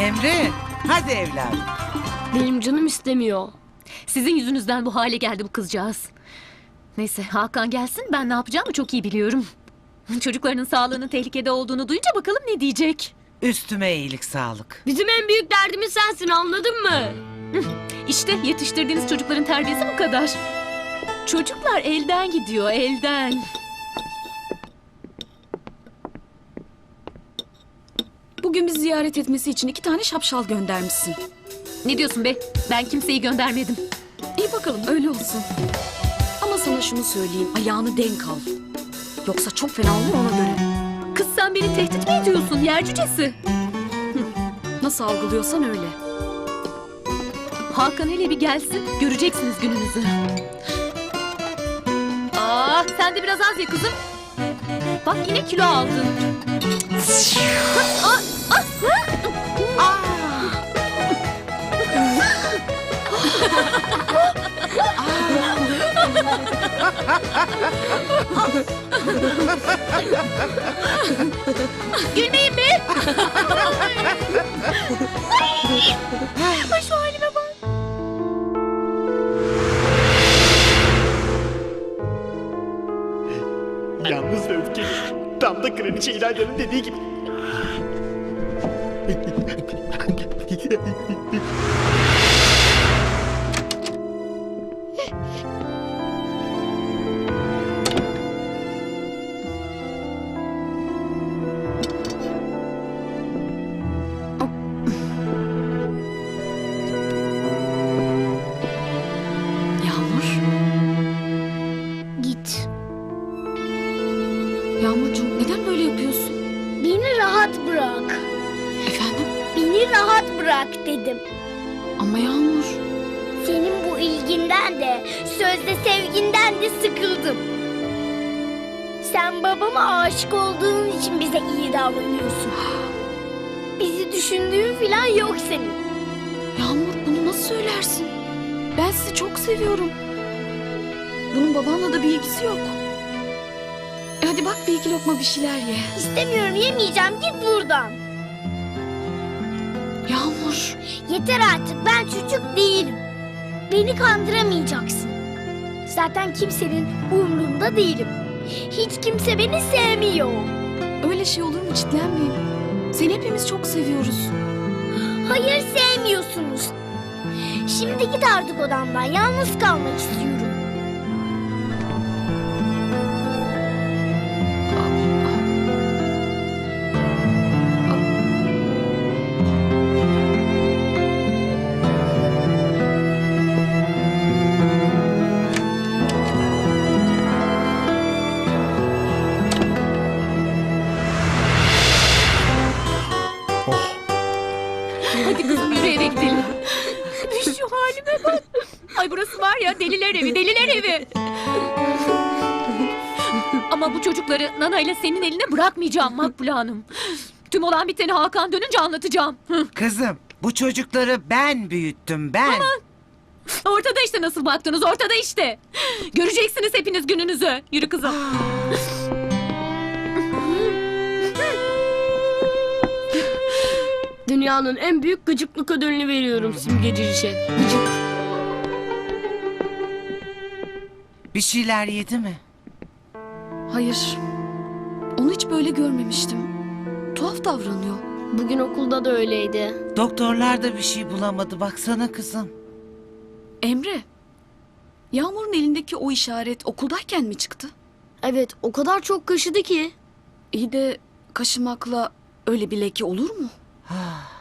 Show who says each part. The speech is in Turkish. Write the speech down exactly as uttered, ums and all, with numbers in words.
Speaker 1: Emre, hadi evladım.
Speaker 2: Benim canım istemiyor.
Speaker 3: Sizin yüzünüzden bu hale geldi bu kızcağız. Neyse Hakan gelsin, ben ne yapacağımı çok iyi biliyorum. Çocuklarının sağlığının tehlikede olduğunu duyunca bakalım ne diyecek.
Speaker 1: Üstüme iyilik sağlık.
Speaker 2: Bizim en büyük derdimiz sensin, anladın mı?
Speaker 3: İşte yetiştirdiğiniz çocukların terbiyesi bu kadar. Çocuklar elden gidiyor, elden.
Speaker 4: Bugün bizi ziyaret etmesi için iki tane şapşal göndermişsin.
Speaker 3: Ne diyorsun be? Ben kimseyi göndermedim.
Speaker 4: İyi bakalım, öyle olsun. Ama sana şunu söyleyeyim, ayağını denk al. Yoksa çok fena olur, ona göre.
Speaker 3: Kız sen beni tehdit mi ediyorsun yer cücesi?
Speaker 4: Nasıl algılıyorsan öyle.
Speaker 3: Hakan hele bir gelsin, göreceksiniz gününüzü. Aa, sen de biraz az ye kızım. Bak yine kilo aldın. Aa, ah, ah. Gülmeyin be! Ay şu halime bak.
Speaker 5: Yalnız ve öfkeli. Tam da kraliçe İlayda'nın dediği gibi.
Speaker 4: Yağmur.
Speaker 6: Git.
Speaker 4: Yağmurcuğum, neden böyle yapıyorsun?
Speaker 6: Beni rahat bırak.
Speaker 4: Efendim?
Speaker 6: Beni rahat bırak dedim.
Speaker 4: Ama Yağmur.
Speaker 6: Senin bu ilginden de, sözde sevginden de sıkıldım. Sen babama aşık olduğun için bize iyi davranıyorsun. Bizi düşündüğün falan yok senin.
Speaker 4: Yağmur, bunu nasıl söylersin? Ben sizi çok seviyorum. Bunun babanla da bir ilgisi yok. E hadi bak, bir iki lokma bir şeyler ye.
Speaker 6: İstemiyorum, yemeyeceğim, git buradan.
Speaker 4: Yağmur.
Speaker 6: Yeter artık, ben çocuk değilim. Beni kandıramayacaksın. Zaten kimsenin umrunda değilim. Hiç kimse beni sevmiyor.
Speaker 4: Öyle şey olur mu, çitlenmeyeyim. Seni hepimiz çok seviyoruz.
Speaker 6: Hayır, sevmiyorsunuz. Şimdi git artık odamdan. Yalnız kalmak istiyorum.
Speaker 3: Hadi kızım yürü eve gidelim. Şu halime bak. Ay burası var ya deliler evi, deliler evi. Ama bu çocukları Nana ile senin eline bırakmayacağım Makbule Hanım. Tüm olan biteni Hakan dönünce anlatacağım. Hı.
Speaker 1: Kızım, bu çocukları ben büyüttüm, ben.
Speaker 3: Ortada işte nasıl baktınız, ortada işte. Göreceksiniz hepiniz gününüzü. Yürü kızım.
Speaker 2: Dünyanın en büyük gıcıklık ödülünü veriyorum simgecişe. Gıcık.
Speaker 1: Bir şeyler yedi mi?
Speaker 4: Hayır. Onu hiç böyle görmemiştim. Tuhaf davranıyor.
Speaker 2: Bugün okulda da öyleydi.
Speaker 1: Doktorlar da bir şey bulamadı, baksana kızım.
Speaker 4: Emre. Yağmur'un elindeki o işaret okuldayken mi çıktı?
Speaker 2: Evet, o kadar çok kaşıdı ki.
Speaker 4: İyi de kaşımakla öyle bir leke olur mu?
Speaker 1: Ah,